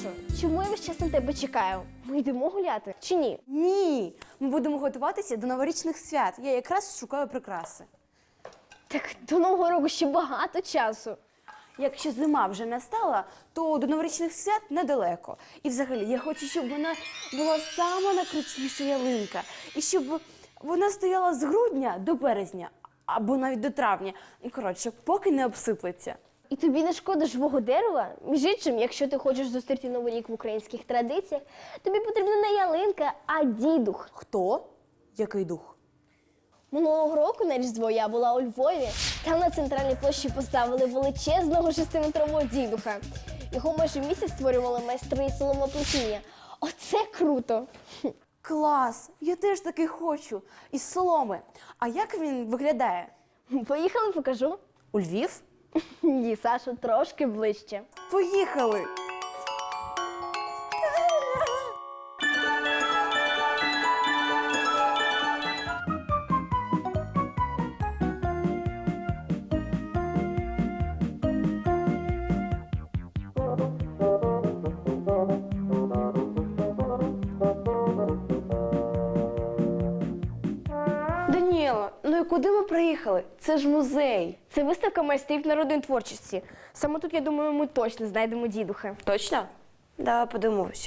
Сашо, чому я весь час на тебе чекаю? Ми йдемо гуляти чи ні? Ні, ми будемо готуватися до новорічних свят. Я якраз шукаю прикраси. Так до Нового року ще багато часу. Якщо зима вже настала, то до новорічних свят недалеко. І взагалі, я хочу, щоб вона була сама найкрутіша ялинка. І щоб вона стояла з грудня до березня, або навіть до травня. І, коротше, поки не обсиплеться. І тобі не шкода живого дерева? Між іншим, якщо ти хочеш зустріти Новий рік в українських традиціях, тобі потрібна не ялинка, а дідух. Хто? Який дух? Минулого року на Різдво я була у Львові. Там на центральній площі поставили величезного 6-метрового дідуха. Його майже місяць створювали майстри соломоплетіння. Оце круто! Клас! Я теж такий хочу. Із соломи. А як він виглядає? Поїхали, покажу. У Львів? Ні, Саша, трошки ближче. Поїхали! Даніела, ну і куди ми приїхали? Це ж музей. Це виставка майстрів народної творчості. Саме тут, я думаю, ми точно знайдемо дідуха. Точно? Давай подивимося.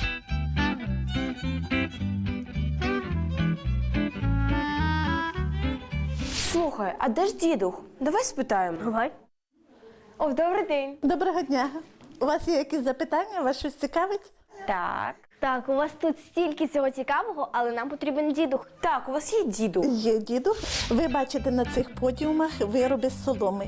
Слухай, а де ж дідух? Давай спитаємо. Давай. О, добрий день. Доброго дня. У вас є якісь запитання? Вас щось цікавить? Так. Так, у вас тут стільки цього цікавого, але нам потрібен дідух. Так, у вас є дідух. Є дідух. Ви бачите на цих подіумах вироби з соломи.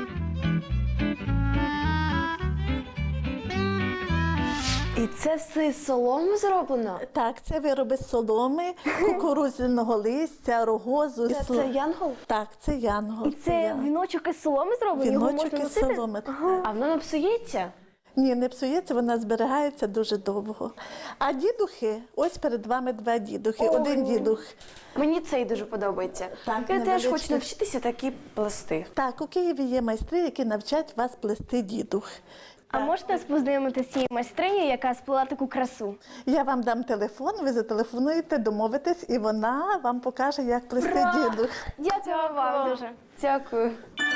І це все з соломи зроблено? Так, це вироби з соломи, кукурудзяного листя, рогозу. Це янгол? Так, це янгол. І це віночок із соломи зроблений? Його Віночок можна із носити? соломи. А воно не псується? Ні, не псується, вона зберігається дуже довго. А дідухи, ось перед вами два дідухи. Один дідух. Мені цей дуже подобається. Так, Я теж невеличкий. хочу навчитися такі плести. Так, у Києві є майстри, які навчать вас плести дідух. А можете нас познайомити з цією майстринею, яка сплела таку красу? Я вам дам телефон, ви зателефонуєте, домовитесь, і вона вам покаже, як плести дідух. Дякую вам дуже. Дякую.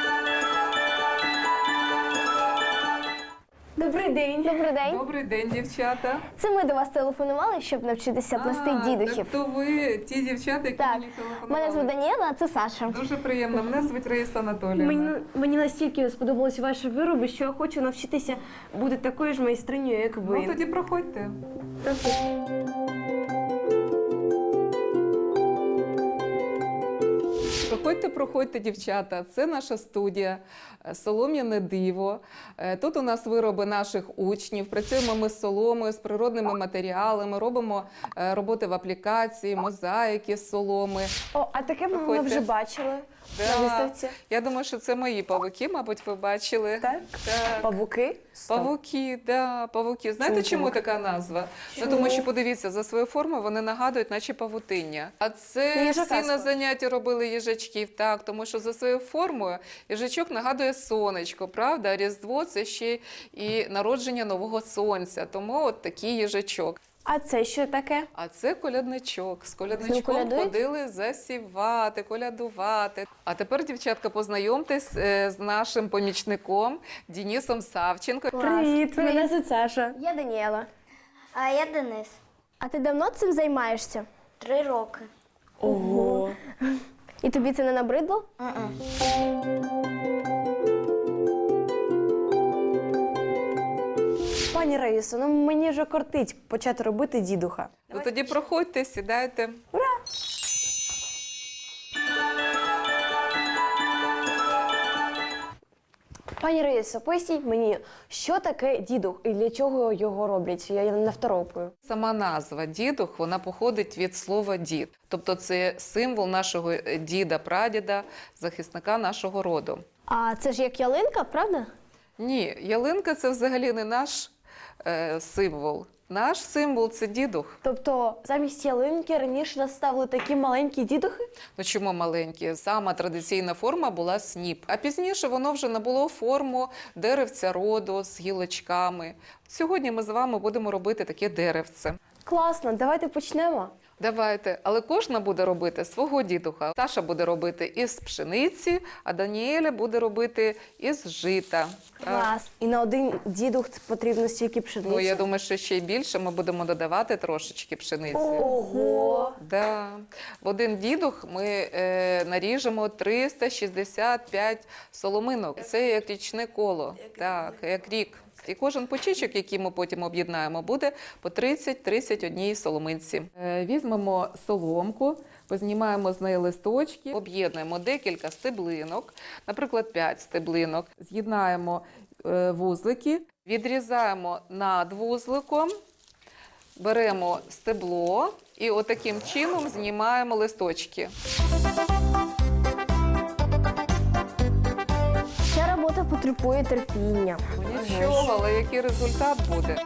Добрий день. Добрий день. Добрий день, дівчата. Це ми до вас телефонували, щоб навчитися плести дідухів. Так то ви ті дівчата, які Так, мені телефонували. мене звуть Даніела, а це Саша. Дуже приємно. Мене звуть Раїса Анатоліївна. Мені настільки сподобалися ваші вироби, що я хочу навчитися бути такою ж майстринею, як ви. Ну тоді проходьте. Проходьте, дівчата. Це наша студія «Солом'яне диво». Тут у нас вироби наших учнів. Працюємо ми з соломою, з природними матеріалами, робимо роботи в аплікації, мозаїки з соломи. О, а таке ми Проходьте. вже бачили на Да. виставці. Я думаю, що це мої павуки, мабуть, ви бачили. Так? Так. Павуки? Павуки, да, павуки. Знаєте, чому така назва? Ну, тому що, подивіться, за свою форму вони нагадують, наче павутиння. А це Їжака всі на занятті робили їжачків, так, тому що за своєю формою їжачок нагадує сонечко, правда? А Різдво – це ще і народження нового сонця, тому от такий їжачок. А це що таке? А це колядничок. З З ним колядничком колядують? ходили засівати, колядувати. А тепер, дівчатка, познайомтесь з нашим помічником Денисом Савченко. Привіт, мене звуть Саша. Я Даніела. А я Денис. А ти давно цим займаєшся? 3 роки. Ого. І тобі це не набридло? Пані Раїсо, ну мені вже кортить почати робити дідуха. Ну тоді проходьте, сідайте. Пані Раїсо, поясніть мені, що таке дідух і для чого його роблять? Я не второпую. Сама назва дідух, вона походить від слова дід. Тобто це символ нашого діда-прадіда, захисника нашого роду. А це ж як ялинка, правда? Ні, ялинка – це взагалі не наш символ. Наш символ – це дідух. Тобто замість ялинки раніше наставили такі маленькі дідухи? Ну чому маленькі? Сама традиційна форма була сніп. А пізніше воно вже набуло форму деревця роду з гілочками. Сьогодні ми з вами будемо робити таке деревце. Класно, давайте почнемо. Давайте, але кожна буде робити свого дідуха. Саша буде робити із пшениці, а Даніеля буде робити із жита. Клас. І на один дідух потрібно стільки пшениці? Ну, я думаю, що ще й більше ми будемо додавати трошечки пшениці. Ого! Да. В один дідух ми наріжемо 365 соломинок. Це як річне коло, так, як рік. І кожен почечок, який ми потім об'єднаємо, буде по 30-31 соломинці. Візьмемо соломку, познімаємо з неї листочки, об'єднуємо декілька стеблинок, наприклад, 5 стеблинок, з'єднаємо вузлики, відрізаємо над вузликом, беремо стебло і отаким чином знімаємо листочки. Ця робота потребує терпіння. Ну, нічого, але який результат буде?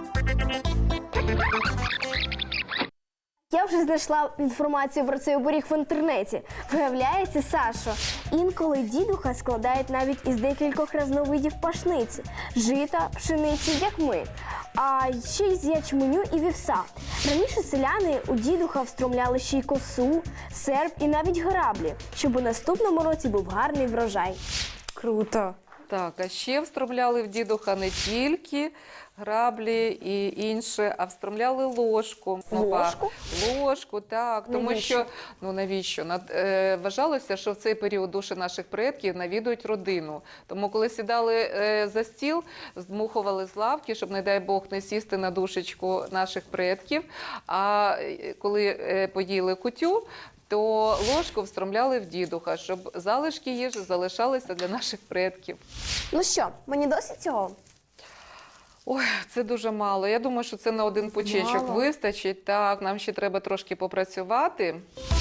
Я вже знайшла інформацію про цей оберіг в інтернеті. Виявляється, Сашо, інколи дідуха складають навіть із декількох різновидів пашниці, жита, пшениці, як ми, а ще й з ячменю і вівса. Раніше селяни у дідуха встромляли ще й косу, серп і навіть граблі, щоб у наступному році був гарний врожай. Круто. Так, а ще встромляли в дідуха не тільки граблі і інше, а встромляли ложку. Ложку? Ложку, так. Тому Навіщо? що, ну навіщо? Вважалося, що в цей період душі наших предків навідують родину. Тому коли сідали за стіл, здмухували з лавки, щоб, не дай Бог, не сісти на душечку наших предків. А коли поїли кутю, то ложку встромляли в дідуха, щоб залишки їжі залишалися для наших предків. Ну що, мені досить цього? Ой, це дуже мало. Я думаю, що це на один почечок Мало? вистачить. Так, нам ще треба трошки попрацювати.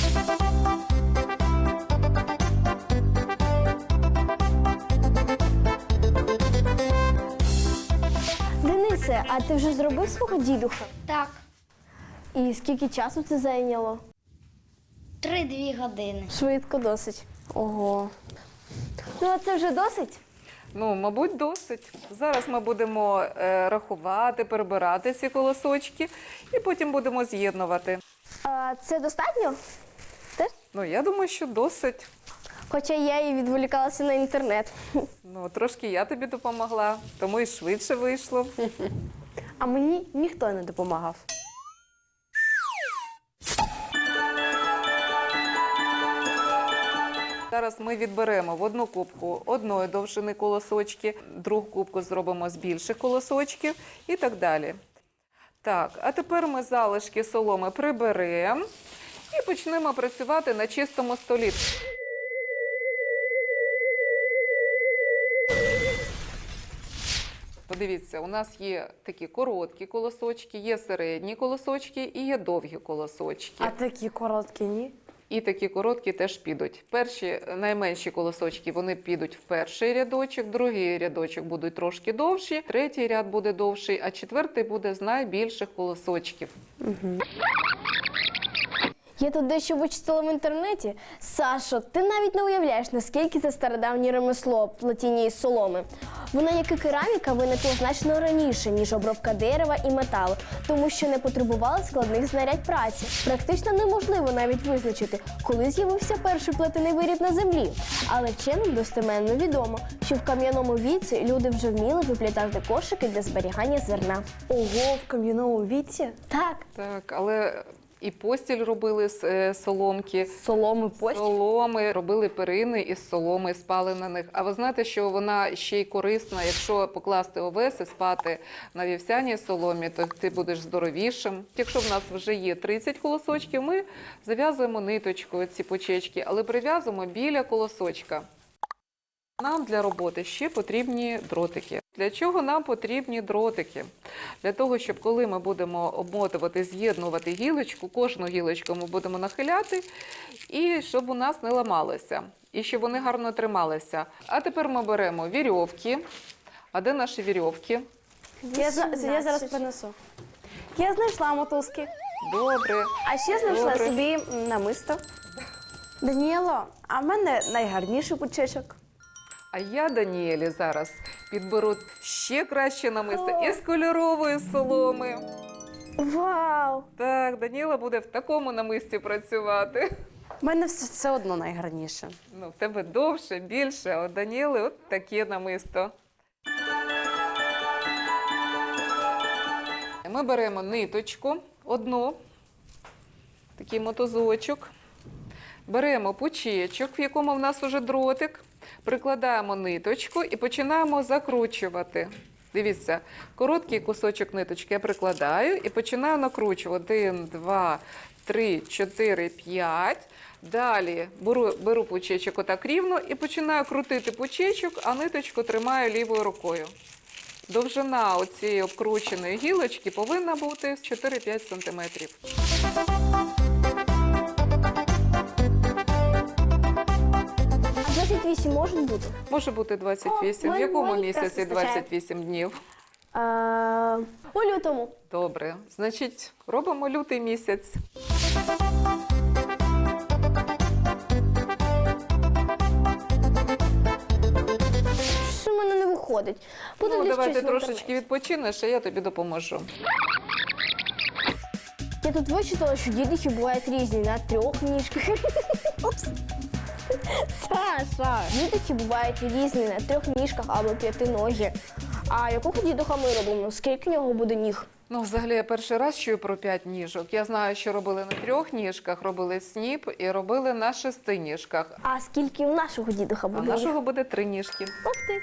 Денисе, а ти вже зробив свого дідуха? Так, І скільки часу це зайняло? 3-2 години. Швидко досить. Ого. Ну, а це вже досить? Ну, мабуть, досить. Зараз ми будемо рахувати, перебирати ці колосочки і потім будемо з'єднувати. А це достатньо? Ну, я думаю, що досить. Хоча я і відволікалася на інтернет. Ну, трошки я тобі допомогла, тому і швидше вийшло. А мені ніхто не допомагав. Зараз ми відберемо в одну кубку одної довжини колосочки, другу кубку зробимо з більших колосочків і так далі. Так, а тепер ми залишки соломи приберемо і почнемо працювати на чистому столі. Подивіться, у нас є такі короткі колосочки, є середні колосочки і є довгі колосочки. А такі короткі ні? І такі короткі теж підуть. Перші, найменші колосочки, вони підуть в перший рядочок, другий рядочок будуть трошки довші, третій ряд буде довший, а четвертий буде з найбільших колосочків. Я тут дещо вичитала в інтернеті. Сашо, ти навіть не уявляєш, наскільки це стародавнє ремесло плетіння із соломи. Воно, як і кераміка, виникло значно раніше, ніж обробка дерева і металу, тому що не потребувало складних знарядь праці. Практично неможливо навіть визначити, коли з'явився перший плетений виріб на землі. Але вченим достеменно відомо, що в кам'яному віці люди вже вміли виплітати кошики для зберігання зерна. Ого, в кам'яному віці? Так, Так, але і постіль робили з соломки. Соломи постіль? Соломи, робили перини із соломи, спали на них. А ви знаєте, що вона ще й корисна, якщо покласти овес і спати на вівсяній соломі, то ти будеш здоровішим. Якщо в нас вже є 30 колосочків, ми зав'язуємо ниточкою ці почечки, але прив'язуємо біля колосочка. Нам для роботи ще потрібні дротики. Для чого нам потрібні дротики? Для того, щоб коли ми будемо обмотувати, з'єднувати гілочку, кожну гілочку ми будемо нахиляти, і щоб у нас не ламалося, і щоб вони гарно трималися. А тепер ми беремо вірьовки. А де наші вірьовки? Я зараз принесу. Я знайшла мотузки. Добре. А ще знайшла Добре. собі намисто. Даніело, а в мене найгарніший пучечок. А я Даніелі зараз підберу ще краще намисто із кольорової соломи. Вау! Так, Даніела буде в такому намисті працювати. В мене все одно найгарніше. Ну, в тебе довше, більше, а у Даніели от таке намисто. Ми беремо ниточку одну, такий мотузочок. Беремо пучечок, в якому в нас уже дротик, прикладаємо ниточку і починаємо закручувати. Дивіться, короткий кусочок ниточки я прикладаю і починаю накручувати. 1, 2, 3, 4, 5. Далі беру пучечок отак рівно і починаю крутити пучечок, а ниточку тримаю лівою рукою. Довжина оцієї обкрученої гілочки повинна бути 4-5 см. А 28 може бути? Може бути 28. О, В якому мені місяці якраз вистачає. 28 днів? У лютому. Добре. Значить, робимо лютий місяць. Щось у мене не виходить. Буду Ну, десь давай ти щось в трошечки інтернеті. відпочинеш, а я тобі допоможу. Я тут вичитала, що дідухи бувають різні на 3 ніжках. Упс. Саша. Дідухи бувають різні на 3 ніжках або 5 ноги. А якого дідуха ми робимо? Скільки в нього буде ніг? Ну, взагалі, я перший раз чую про 5 ніжок. Я знаю, що робили на 3 ніжках, робили сніп і робили на 6 ніжках. А скільки у нашого дідуха А буде? в нашого буде 3 ніжки. Ух ти.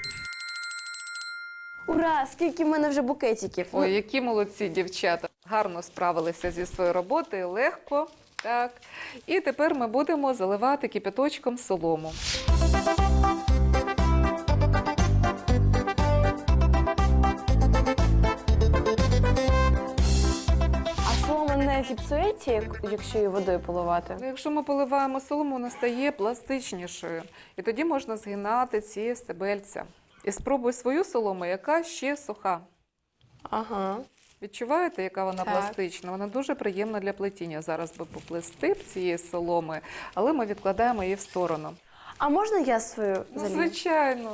Ура! Скільки в мене вже букетиків. Ой, які молодці дівчата. Гарно справилися зі своєю роботою, легко. Так. І тепер ми будемо заливати кипяточком солому. А солома не зіпсується, якщо її водою поливати? Ну, якщо ми поливаємо солому, вона стає пластичнішою. І тоді можна згинати ці стебельця. І спробуй свою солому, яка ще суха. Ага. Відчуваєте, яка вона Так. пластична? Вона дуже приємна для плетіння. Зараз би поплести б цієї соломи, але ми відкладаємо її в сторону. А можна я свою Ну, залью? звичайно.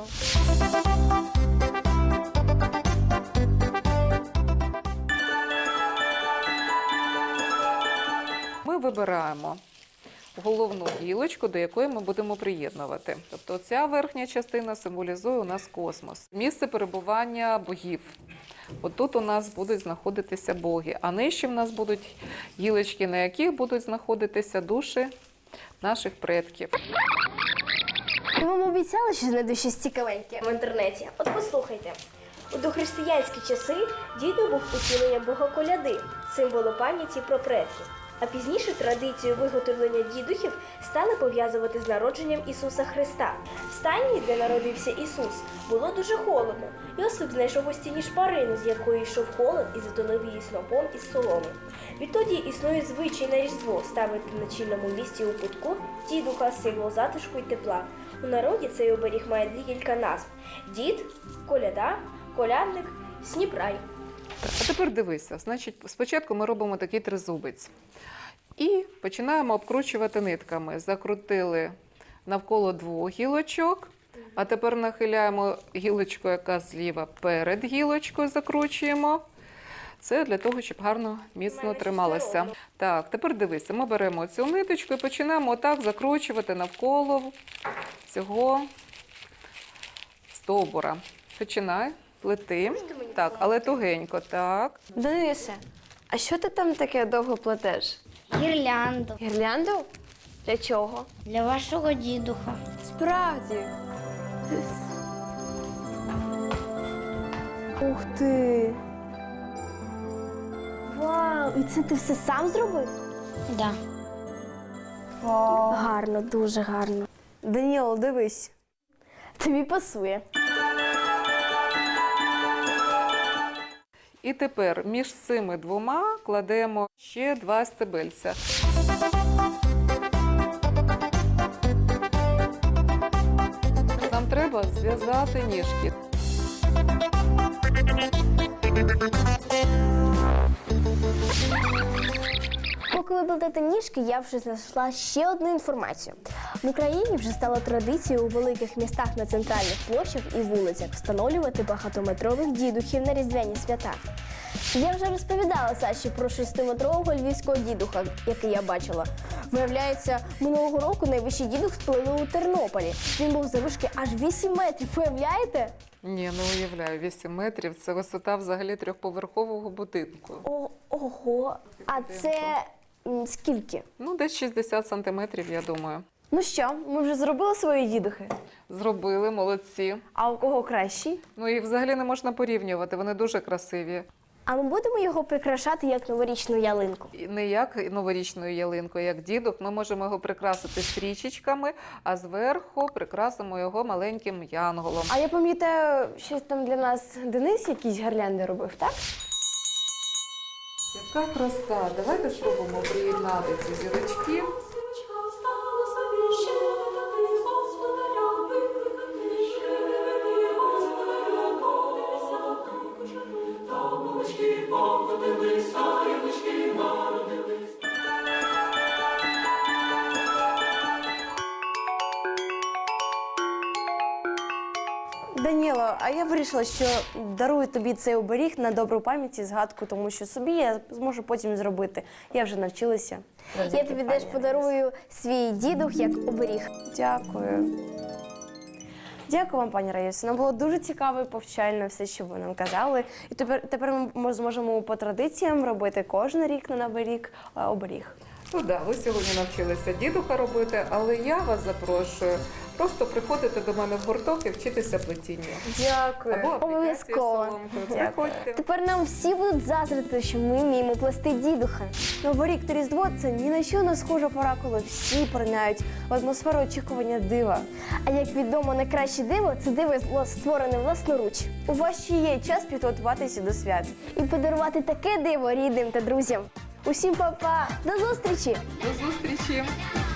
Ми вибираємо головну гілочку, до якої ми будемо приєднувати. Тобто ця верхня частина символізує у нас космос. Місце перебування богів. Отут у нас будуть знаходитися боги, а нижче в нас будуть гілочки, на яких будуть знаходитися душі наших предків. Я вам обіцяла, що знайду щось цікавеньке в інтернеті. От послухайте. У дохристиянські часи дідо був утіленням бога коляди, символу пам'яті про предків. А пізніше традицію виготовлення дідухів стали пов'язувати з народженням Ісуса Христа. В стайні, де народився Ісус, було дуже холодно. Йосип знайшов у стіні шпарину, з якої йшов холод і затонув її снопом із соломи. Відтоді існує звичай на Різдво ставити на чільному місці у кутку дідуха, символ затишку і тепла. У народі цей оберіг має декілька назв: дід, коляда, колядник, сніпрай. Так, а тепер дивися. Значить, спочатку ми робимо такий тризубець. І починаємо обкручувати нитками. Закрутили навколо 2 гілочок, а тепер нахиляємо гілочку, яка зліва перед гілочкою, закручуємо. Це для того, щоб гарно, міцно трималося. Так, тепер дивися, ми беремо цю ниточку і починаємо отак закручувати навколо цього стовбура. Починай, плети. Так, але тугенько, так. Денисе, а що ти там таке довго плетеш? Гірлянду Гірлянду? Для чого? для вашого дідуха. Справді. Ух ти! Вау! І це ти все сам зробив? Да. Гарно, дуже гарно. Даніел, дивись. Тобі пасує. І тепер між цими 2 кладемо ще 2 стебельця. Нам треба зв'язати ніжки. Поки ви плетете ніжки, я вже знайшла ще одну інформацію. В Україні вже стало традицією у великих містах на центральних площах і вулицях встановлювати багатометрових дідухів на різдвяні свята. Я вже розповідала Саші про 6-метрового львівського дідуха, який я бачила. Виявляється, минулого року найвищий дідух спалили у Тернополі. Він був завишки аж 8 метрів, уявляєте? Ні, не уявляю, 8 метрів – це висота взагалі 3-поверхового будинку. Ого, а це скільки? Ну, десь 60 сантиметрів, я думаю. Ну що, ми вже зробили свої дідухи? Зробили, молодці. А у кого кращий? Ну і взагалі не можна порівнювати, вони дуже красиві. А ми будемо його прикрашати як новорічну ялинку. І не як новорічною ялинкою, як дідух. Ми можемо його прикрасити стрічечками, а зверху прикрасимо його маленьким янголом. А я пам'ятаю, щось там для нас Денис якісь гірлянди робив, так? Яка краса! Давайте спробуємо приєднати ці зірочки. Даніло, а я вирішила, що дарую тобі цей оберіг на добру пам'ять і згадку, тому що собі я зможу потім зробити. Я вже навчилася. Я тобі теж подарую свій дідух як оберіг. Дякую. Дякую вам, пані Раїсо. Нам було дуже цікаво і повчально все, що ви нам казали. І тепер ми зможемо по традиціям робити кожен рік на Новий рік оберіг. Ну так, ви сьогодні навчилися дідуха робити, але я вас запрошую просто приходити до мене в гурток і вчитися плетінню. Дякую. Або аплікацію Обов'язково. соломкою. Дякую. Приходьте. Тепер нам всі будуть заздрити, що ми вміємо плести дідуха. Новий рік та Різдво – це ні на що не схожа пора, коли всі поринають в атмосферу очікування дива. А як відомо, найкраще диво це диво створене власноруч. У вас ще є час підготуватися до свят. І подарувати таке диво рідним та друзям. Усім па-па! До зустрічі! До зустрічі!